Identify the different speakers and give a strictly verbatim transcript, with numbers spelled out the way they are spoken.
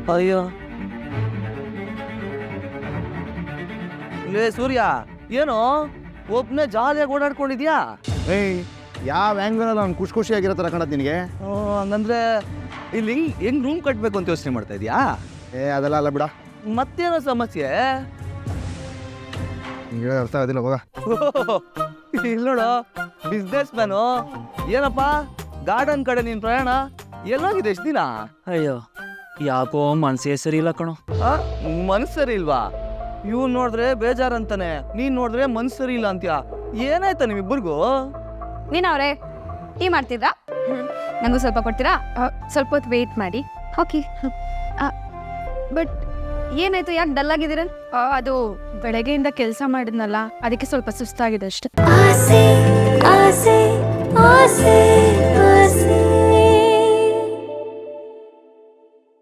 Speaker 1: ಅಯ್ಯೋ ಲೇ ಸೂರ್ಯ, ಏನು ಒಬ್ನೇ ಜಾಲಿಯಾಗಿ ಓಡಾಡ್ಕೊಂಡಿದ್ಯಾ?
Speaker 2: ಏಯ್, ಯಾವ ಆ್ಯಂಗಲಲ್ಲಿ ಅವ್ನು ಖುಷಿ ಖುಷಿಯಾಗಿರೋ ಥರ ಕಾಣತ್ತೆ ನಿನಗೆ?
Speaker 1: ಹಂಗಂದ್ರೆ ಇಲ್ಲಿ ಹೆಂಗ್ ಹೆಂಗ್ ರೂಮ್ ಕಟ್ಬೇಕು ಅಂತ ಯೋಚನೆ ಮಾಡ್ತಾ ಇದೀಯಾ?
Speaker 2: ಏ ಅದೆಲ್ಲ ಅಲ್ಲ ಬಿಡ,
Speaker 1: ಮತ್ತೇನೋ ಸಮಸ್ಯೆ?
Speaker 2: ನಿಂಗೆ ಅರ್ಥ ಆಗೋದಿಲ್ಲ ಹೋಗ.
Speaker 1: ಇಲ್ಲಿ ನೋಡು, ಬಿಸ್ನೆಸ್ ಮ್ಯಾನು. ಏನಪ್ಪ ಗಾರ್ಡನ್ ಕಡೆ ನಿನ್ ಪ್ರಯಾಣ ಎಲ್ಲೋಗಿದೆ ಎಷ್ಟು ದಿನ?
Speaker 3: ಅಯ್ಯೋ ಯಾಕೋ ಮನ್ಸೇ ಸರಿ ಇಲ್ಲ ಕಣೋ.
Speaker 1: ಮನ್ಸು ಸರಿ ಇಲ್ವಾ? ಇವ್ನು ನೋಡಿದ್ರೆ ಬೇಜಾರಂತಾನೆ, ನೀನ್ ನೋಡಿದ್ರೆ ಮನ್ಸು ಸರಿ ಇಲ್ಲ ಅಂತ್ಯಾ. ಏನಾಯ್ತಾ ನಿಮ್ಮಿಬ್ಬರಿಗೂ?
Speaker 4: ನೀನ್ ಅವ್ರೆ ಟೀ ಮಾಡ್ತಿದ್ರಾ? ನಂಗೂ ಸ್ವಲ್ಪ ಕೊಡ್ತೀರಾ? ಸ್ವಲ್ಪ ಹೊತ್ತು ವೇಟ್ ಮಾಡಿ. ಓಕೆ. ಬಟ್ ಏನಾಯ್ತು, ಯಾಕೆ ಡಲ್ ಆಗಿದ್ದೀರ? ಅದು ಬೆಳಗ್ಗೆಯಿಂದ ಕೆಲಸ ಮಾಡಿದ್ನಲ್ಲ, ಅದಕ್ಕೆ ಸ್ವಲ್ಪ ಸುಸ್ತಾಗಿದೆ ಅಷ್ಟೆ.
Speaker 5: ಆಸೆ ಆಸೆ ಆಸೆ ಆಸೆ